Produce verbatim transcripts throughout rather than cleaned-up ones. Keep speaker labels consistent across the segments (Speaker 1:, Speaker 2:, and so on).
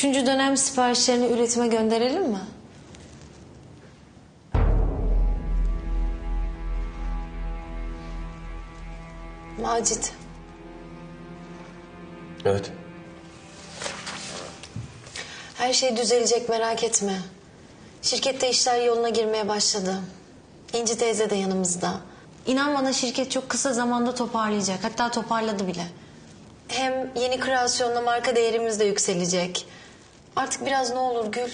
Speaker 1: Üçüncü dönem siparişlerini üretime gönderelim mi? Macit.
Speaker 2: Evet.
Speaker 1: Her şey düzelecek, merak etme. Şirkette işler yoluna girmeye başladı. İnci teyze de yanımızda. İnan bana, şirket çok kısa zamanda toparlayacak. Hatta toparladı bile. Hem yeni kreasyonla marka değerimiz de yükselecek. Artık biraz ne olur Gül.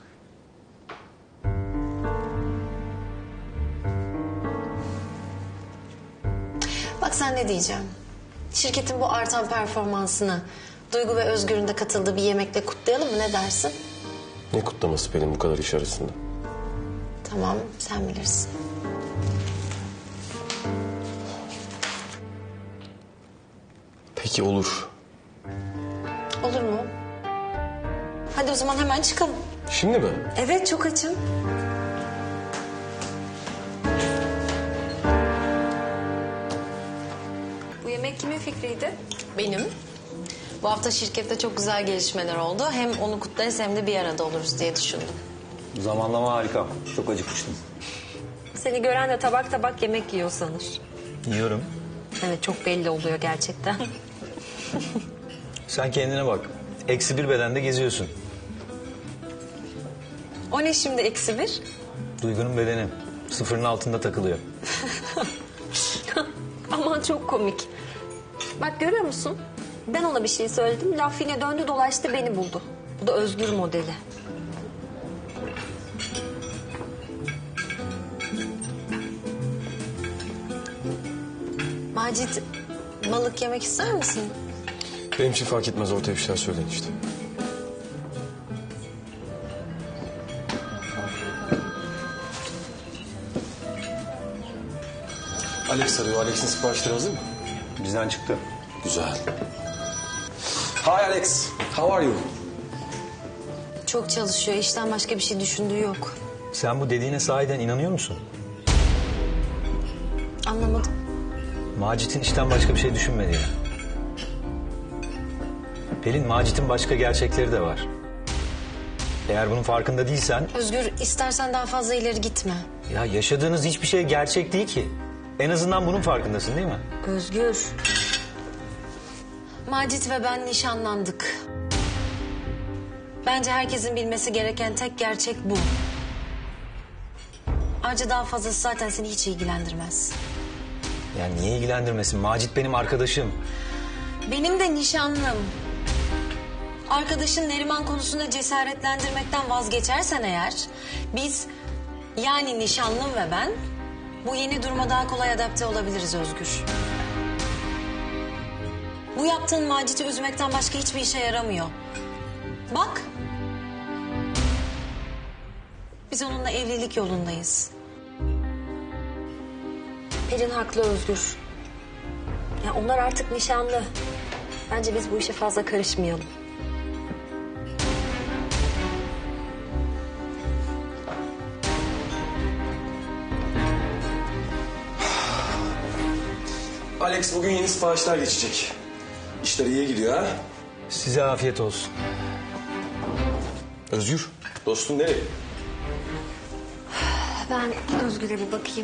Speaker 1: Bak sen ne diyeceğim. Şirketin bu artan performansını Duygu ve Özgür'ün de katıldığı bir yemekle kutlayalım mı, ne dersin?
Speaker 2: Ne kutlaması Pelin bu kadar iş arasında?
Speaker 1: Tamam, sen bilirsin.
Speaker 2: Peki olur.
Speaker 1: Olur mu? Hadi o zaman hemen çıkalım.
Speaker 2: Şimdi mi?
Speaker 1: Evet, çok açım. Bu yemek kimin fikriydi? Benim. Bu hafta şirkette çok güzel gelişmeler oldu. Hem onu kutlarız hem de bir arada oluruz diye düşündüm.
Speaker 3: Zamanlama harika. Çok acıkmıştım.
Speaker 4: Seni gören de tabak tabak yemek yiyor sanır.
Speaker 3: Yiyorum.
Speaker 4: Evet, çok belli oluyor gerçekten.
Speaker 3: Sen kendine bak. Eksi bir bedende geziyorsun.
Speaker 4: O ne şimdi eksi bir?
Speaker 3: Duygunun bedeni sıfırın altında takılıyor.
Speaker 4: Aman çok komik. Bak görüyor musun? Ben ona bir şey söyledim. Laf yine döndü dolaştı beni buldu. Bu da Özgür modeli.
Speaker 1: Macit, balık yemek ister misin?
Speaker 2: Benim için fark etmez, ortaya bir şeyler söyleyin işte. Alex arıyor. Alex'in siparişleri hazır mı?
Speaker 3: Bizden çıktı.
Speaker 2: Güzel. Hi Alex. How are you?
Speaker 1: Çok çalışıyor. İşten başka bir şey düşündüğü yok.
Speaker 3: Sen bu dediğine sahiden inanıyor musun?
Speaker 1: Anlamadım.
Speaker 3: Macit'in işten başka bir şey düşünmedi ya. Pelin, Macit'in başka gerçekleri de var. Eğer bunun farkında değilsen...
Speaker 1: Özgür, istersen daha fazla ileri gitme.
Speaker 3: Ya yaşadığınız hiçbir şey gerçek değil ki. En azından bunun farkındasın değil mi?
Speaker 4: Özgür.
Speaker 1: Macit ve ben nişanlandık. Bence herkesin bilmesi gereken tek gerçek bu. Ayrıca daha fazlası zaten seni hiç ilgilendirmez.
Speaker 3: Yani niye ilgilendirmesin? Macit benim arkadaşım.
Speaker 1: Benim de nişanlım. Arkadaşın Neriman konusunda cesaretlendirmekten vazgeçersen eğer... biz, yani nişanlım ve ben... bu yeni duruma daha kolay adapte olabiliriz Özgür. Bu yaptığın Macit'i üzmekten başka hiçbir işe yaramıyor. Bak. Biz onunla evlilik yolundayız.
Speaker 4: Pelin haklı Özgür. Ya onlar artık nişanlı. Bence biz bu işe fazla karışmayalım.
Speaker 2: Alex, bugün yeni siparişler geçecek. İşler iyiye gidiyor ha?
Speaker 3: Size afiyet olsun.
Speaker 2: Özgür, dostun nereye?
Speaker 4: Ben Özgür'e bir bakayım.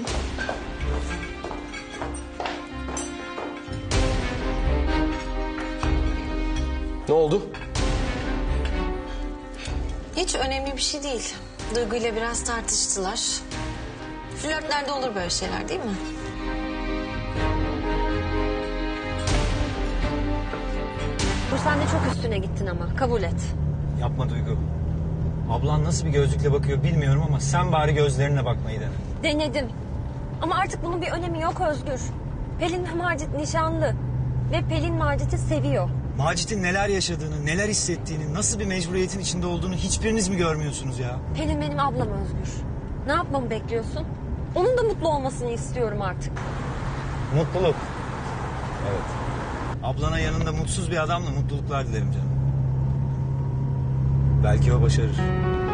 Speaker 2: Ne oldu?
Speaker 1: Hiç önemli bir şey değil. Duygu ile biraz tartıştılar. Flörtlerde olur böyle şeyler, değil mi?
Speaker 4: Bu sen de çok üstüne gittin ama kabul et.
Speaker 3: Yapma Duygu. Ablan nasıl bir gözlükle bakıyor bilmiyorum ama sen bari gözlerine bakmayı dene.
Speaker 4: Denedim. Ama artık bunun bir önemi yok Özgür. Pelin ve Macit nişanlı. Ve Pelin Macit'i seviyor.
Speaker 3: Macit'in neler yaşadığını, neler hissettiğini, nasıl bir mecburiyetin içinde olduğunu hiçbiriniz mi görmüyorsunuz ya?
Speaker 4: Pelin benim ablam Özgür. Ne yapmamı bekliyorsun? Onun da mutlu olmasını istiyorum artık.
Speaker 3: Mutluluk. Evet. Ablana yanında mutsuz bir adamla mutluluklar dilerim canım. Belki o başarır.